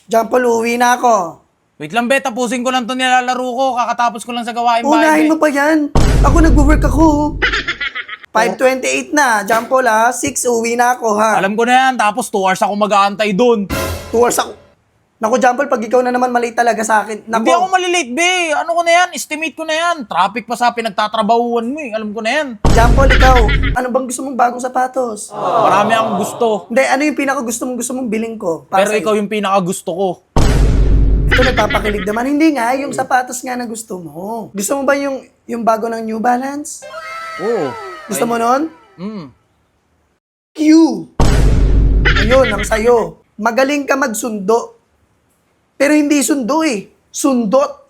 Jampol, uwi na ako. Wait lang, be. Tapusin ko lang to nilalaro ko. Kakatapos ko lang sa gawain bahay. Unahin mo pa yan. Ako nag-work ako. 5:28 na. Jampol ha. 6, uwi na ako ha. Alam ko na yan. Tapos 2 hours ako mag-aantay doon. 2 hours ako. Naku, Jampol, pag ikaw na naman mali talaga sa akin. Naku. Hindi ako malilate, be. Ano ko na yan? Estimate ko na yan. Traffic pa sa pinagtatrabahuan mo eh. Alam ko na yan. Jampol, ikaw. Ano bang gusto mong bagong sapatos? Marami akong gusto. Hindi, ano yung pinaka gusto mong biling ko? Para Pero sa'yo? ikaw yung pinaka-gusto ko. Ito nagpapakilig naman. Hindi nga, yung sapatos nga na gusto mo. Gusto mo ba yung bago ng New Balance? Oo. Gusto mo nun? Q. Ayun, ang sayo. Magaling ka magsundo. Pero hindi sundo eh. Sundot.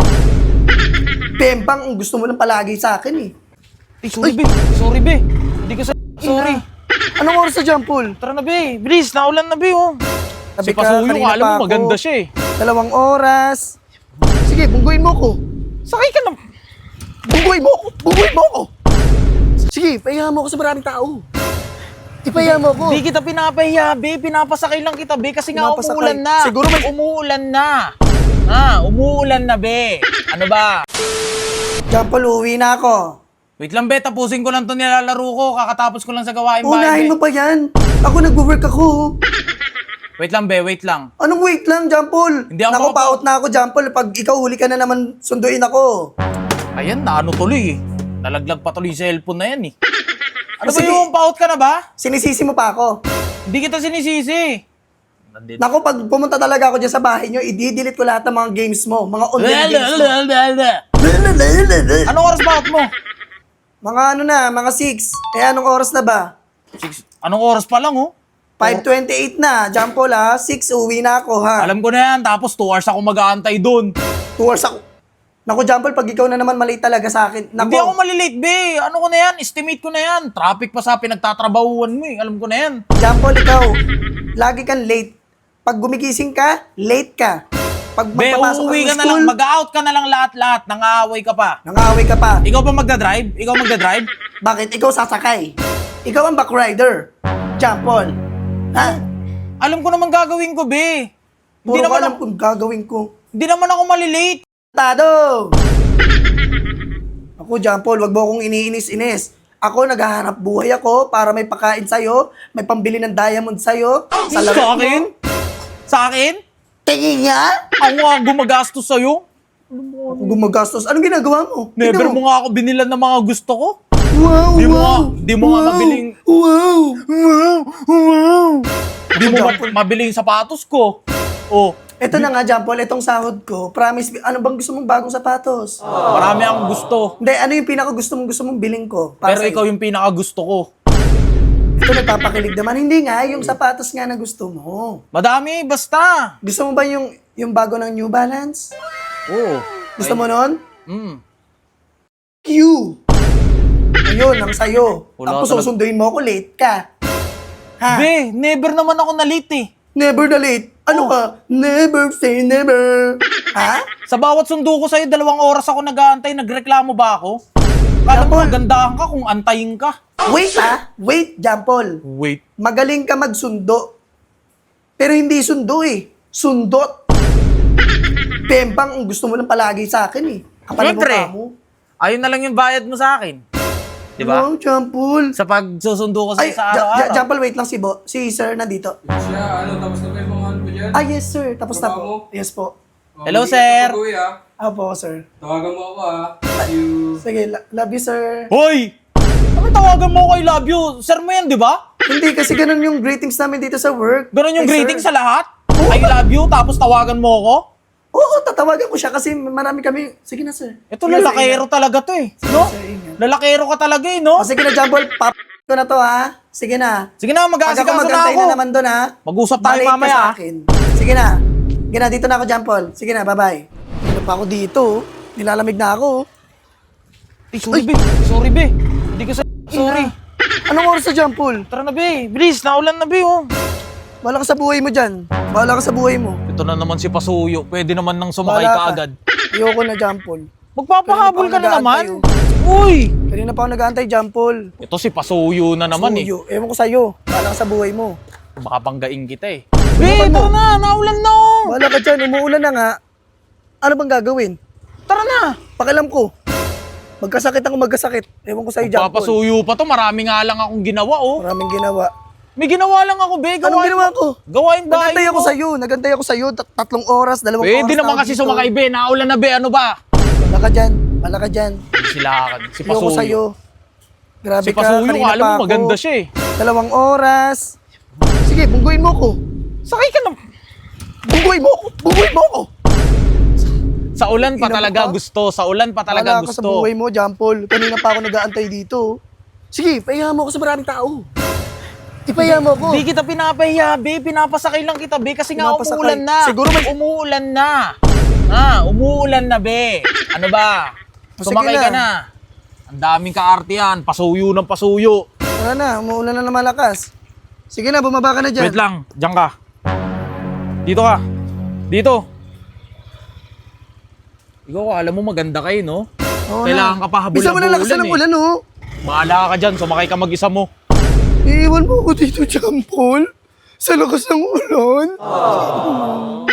Pempang ang gusto mo lang palagi sa akin eh. Sorry, be. Sorry, be. Hindi ko sorry. Anong oras sa Jampol? Tara na, be. Bilis, naulan na, be, oh. Sabi Si Pasuyo, kanina alam pa mo, ako. maganda siya eh. 2 oras. Sige, bungguin mo ko. Sakay ka na. Bungguin mo ko. Bungguin mo ko. Sige, pahinga mo ko sa maraming tao. Ipahinga mo ko. Di kita pinapahiya, be. Pinapasakay lang kita, be. Kasi nga Pinapasakay. umuulan na. Siguro may- Umuulan na. Umuulan na, be. Ano ba? Jampol, uwi na ako. Wait lang, be. Tapusin ko lang to nilalaro ko. Kakatapos ko lang sa gawain bahay, Unahin be. mo pa yan. Ako nag-work ako. Wait lang, be. Wait lang. Anong wait lang, Jampol? Hindi ako Naku, makapa- paot na ako, Jampol. Pag ikaw huli ka na naman, sunduin ako. Ayan, naano tuloy eh. Nalaglag pa tuloy yung cellphone na yan eh. Ano ba Sige. yung paut ka na ba? Sinisisi mo pa ako. Hindi kita sinisisi. Nandito. Naku, pag pumunta talaga ako dyan sa bahay nyo, i-delete ko lahat ng mga games mo. Mga online games mo. Anong oras ba out mo? Mga ano na, mga 6. Eh, anong oras na ba? Anong oras pa lang oh? 5:28 na. Jampol ha. 6, uwi na ako ha. Alam ko na yan, tapos 2 hours ako mag-aantay doon. 2 hours ako. Naku, Jampol, pag ikaw na naman mali talaga sa akin. Naku, Hindi ako malilate, be. Ano ko na yan? Estimate ko na yan. Traffic pa sa pinagtatrabahuan mo eh. Alam ko na yan. Jampol, ikaw, lagi kang late. Pag gumigising ka, late ka. Pag Be, magpapasok uuwi ka ng na lang. school, Mag-out ka na lang lahat-lahat. Nang-aaway ka pa. nang-away ka pa. Ikaw ba magdadrive? Ikaw magdadrive? Bakit? Ikaw sasakay. Ikaw ang backrider. Jampol. Ha? Alam ko naman gagawin ko, be. Puro Hindi ko naman, alam kung gagawin ko. hindi naman ako malilate. Tado! Ako, Jampol, wag mo akong iniinis-inis. Ako, naghahanap buhay ako para may pakain sa'yo, may pambili ng diamond sa'yo. Sa akin? Sa akin? Tingin nga! Ako nga gumagastos sa'yo. Ako gumagastos. Anong ginagawa mo? Never Tingnan mo nga ako binilan ng mga gusto ko. Wow, Di mo wow! nga- di mo nga mabiling- Wow! Wow! Wow! Hindi mo mabili yung sapatos ko. Oh, Ito na nga, Jampol, itong sahod ko. Promise, ano bang gusto mong bagong sapatos? marami akong gusto. Hindi, ano yung pinaka gusto mong biling ko? Para Pero sa'yo? ikaw yung pinaka-gusto ko. Ito nagpapakilig naman. Hindi nga, yung sapatos nga na gusto mo. Madami, basta. Gusto mo ba yung bago ng New Balance? Oo. Gusto mo nun? Q. Ayun, ang sayo. Wala Tapos talaga. susunduin mo ako, late ka. Ha? Be, never naman ako na-late eh. Never na late. Ano ka? Never say never. Ha? Sa bawat sundo ko sa'yo, 2 oras ako nag-aantay, nagreklamo ba ako? Kala mo, Jampol. gandahan ka kung antayin ka. Wait ha? Wait, Jampol. Wait. Magaling ka magsundo. Pero hindi sundo eh. Sundot. Pempang ang gusto mo lang palagi sa akin eh. Kapal mo Siyempre. pa mo. Ayun na lang yung bayad mo sa akin. Di ba? Wow, Jampol. Sa pagsusundo ko Ay, sa'yo sa araw-araw. Jampol, wait lang si sir nandito. Siya, tapos na ba yung mga ano mo dyan? Ah, yes sir. Tapos na Trabaho po. Yes po. Hello, Hindi sir. ka pag-uwi, ah. Opo, sir. Tawagan mo ako See you. Sige, love you, sir. Hoy! Ano tawagan mo ko I love you? Sir mo yan, di ba? Hindi, kasi ganun yung greetings namin dito sa work. Ganun yung Ay, greeting sir. sa lahat? I love you, tapos tawagan mo ako? Oo, tatawagan ko siya kasi marami kami. Sige na, sir. Ito, Sige, sir, lalakero ingat. talaga to eh. No? Sir, ingat. Lalakero ka talaga eh, no? O, sige na, Jampol. Ko na to, ha? Sige na. Sige na, Pag ako mag-aasikaso na magantay ako. na naman doon, ha? Mag-usap tayo Balik ka mamaya, sa ha? akin. Sige na. Sige na, dito na ako, Jampol. Sige na, bye-bye. Ano pa ako dito? Nilalamig na ako. Sorry, be. Sorry, be. Hindi ko sorry. Anong oras sa Jampol? Tara na, be. Bilis, naulan na, be, oh. Bahala ka sa buhay mo dyan. Bahala ka sa buhay mo. Ito na naman si Pasuyo. Pwede naman nang sumakay Bahala ka ka. agad. Ayoko na, Jampol. Magpapahabol Kanina ka pa na ako naman. nag-aantay, Uy! Kanina pa ako nag-aantay, Jampol. Ito si Pasuyo na naman eh. Suyo. Ewan ko sa'yo. Bahala ka sa buhay mo. Baka panggaing kita eh. Be, ito na. Naulan na, oh. Wala ka dyan, umuulan na nga. Ano bang gagawin? Tara na. Pakialam ko. Magkasakit ako magkasakit. Ewan ko sa'yo, John Paul. Papasuyo pa to. Marami nga lang akong ginawa, oh. Maraming ginawa. May ginawa lang ako, be. Anong ginawa ko? Gawain bahay Nagantay ako mo. sa'yo. Nagantay ako sa'yo. 3 oras, 2 oras. Pwede na naman ako kasi dito. sumakay, be. Naulan na, be. Ano ba? Wala ka dyan. Wala ka dyan. Sila, si Ayoko Pasuyo. sa'yo. Grabe Si ka. Pasuyo, kanina alam pa mo, ako. maganda siya eh. 2 oras. Sige, bungguin mo ko. Sakay ka na. Bungguin mo ko. Bungguin mo ko. Sa ulan pa Ina mo talaga ka? gusto. Sa ulan pa talaga Wala ka sa gusto. buhay mo, John Paul. Kanina pa ako nag-aantay dito. Sige, pahiya mo ako sa maraming tao. Ipahiya mo ko. Di kita pinapahiya, be. Pinapasakay lang kita, be. Kasi nga Pinapasakay. umuulan na. Siguro may- Umuulan na. Umuulan na, be. Ano ba? Sige Sumakay na. ka na. Ang daming kaarte yan. Pasuyo ng pasuyo. Tara na, umuulan na malakas. Sige na, bumaba ka na dyan. Wait lang. Diyan ka. Dito ka. Dito. Ikaw, alam mo maganda kayo, no? Oo Kailangan na. ka pa habol Bisa mo na lakas ulan, ng ulan, oh. Bahala ka dyan. Sumakay ka mag-isa mo. Iiwan mo ako dito, John Paul. Sa lakas ng ulan.